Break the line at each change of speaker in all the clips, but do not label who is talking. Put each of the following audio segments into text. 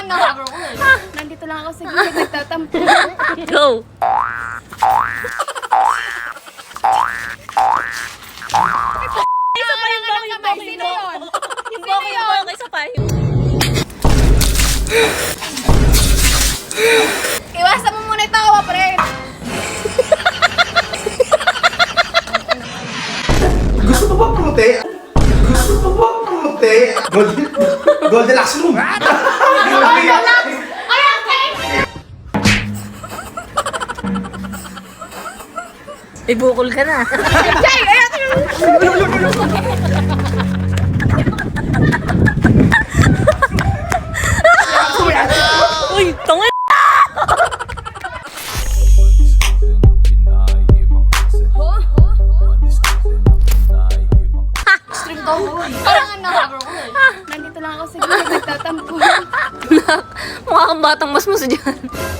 nakakaro ko eh.
Nandito lang ako sa gilid, nagtatampo.
Go!
Isa pa yung kamay. Sino yun?
Yung bako, isa pa.
Iwasan mo muna yung tawa, pre.
Gusto mo ba pumunti? Gusto mo ba pumunti? Goldilocks room!
Ibukol ka na.
Jay! Ayan!
Uy, tanga!
Stream to. Parang ang nakakaro ko eh.
Nandito lang ako sa gilid, nagtatampo.
Mukha kang batang masmus dyan.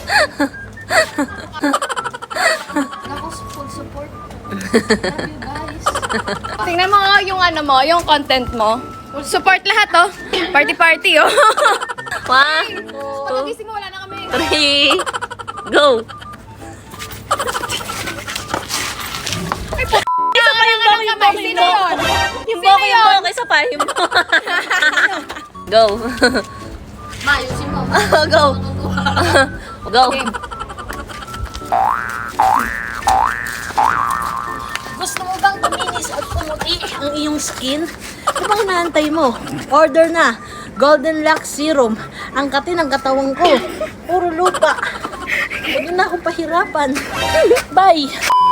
Ako, full support. Love you guys.
Tingnan mo yung ano mo, yung content mo. Support lahat, oh. Party-party, oh.
1,
Pagkagising mo, wala na kami.
3, go!
Isa pa yung kamay. Sino yun?
Yung bako, isa pa. Yung Go!
Mayusin mo.
Go! Go! Gusto mo bang kuminis at pumuti ang iyong skin? Ano bang naantay mo? Order na! Golden Lux Serum. Ang kati ng katawan ko. Puro lupa. Huwag na akong pahirapan. Bye!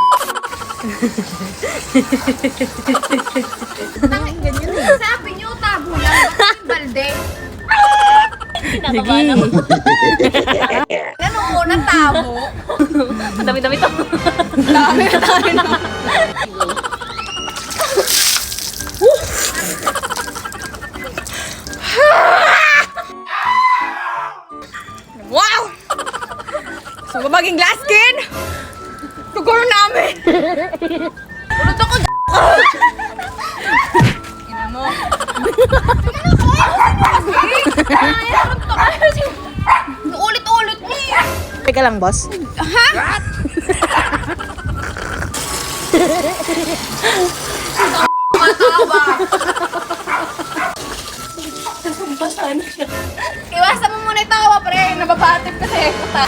Ganyan eh. Sabi niyo, tabo lang. Bakit yung balde?
Kinakabahan ako.
Ano muna, tabo?
Ang dami-dami to.
Dami na. Wow! So, maging glass skin? Siguro namin. Ulot ako. Ina mo. Ulit-ulit niya.
Teka lang, boss.
Ha? Matawa. Iwasan mo muna yung tawa, pre. Nababatip kasi. Puta.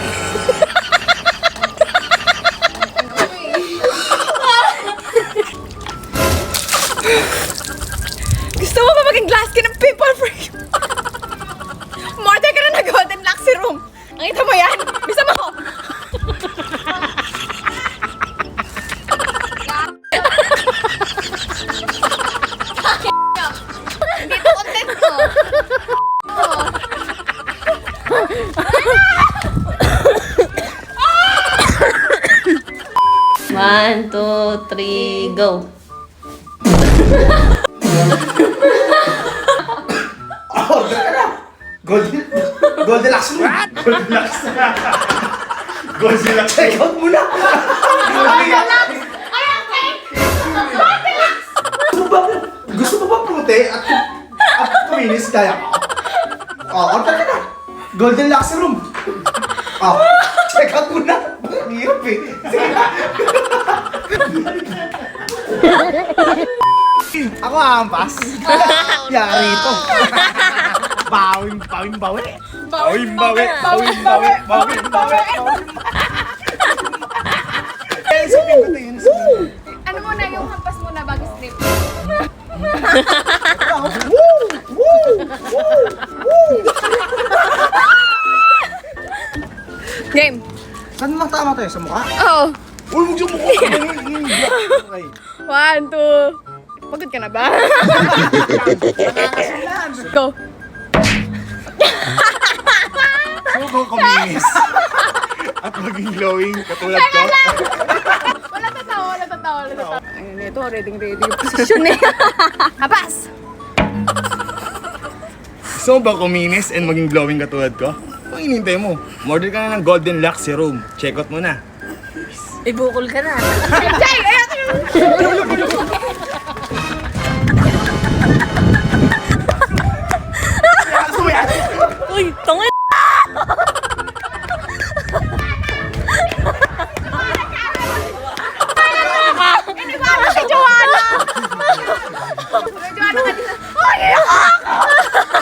Gusto mo ba maging glass skin ng people for you? Murder ka na na Golden Lux Serum. Nakita mo yan? Bisa mo. Hindi to content ko.
One, two, three, go!
Order ka na! Goldilocks room! Goldilocks! Goldilocks! Check out mo na! Gusto mo ba pumunti at kuminis kaya ko? Order ka na! Goldilocks room! Check out mo na! Ang hirap eh! Sige na! Ako aampas. Yari ito. Bawing bawi. Bawing bawi.
Ano mo na yung hampas mo na bago strip? Game.
Saan lang tama tayo? Sa mukha?
Oo.
Uy, huwag sa mukha! Okay.
1, 2. Pagod ka na ba? Go.
Suko kuminis. At maging glowing katulad ko.
Wala tatawa. Ayun, ito, ready yung position eh. Hapas!
Gusto mo ba kuminis and maging glowing katulad ko? Kung inintay mo, order ka na ng Golden Lux Serum. Check out mo na.
Ibukol ka na.
Jay! Ayan!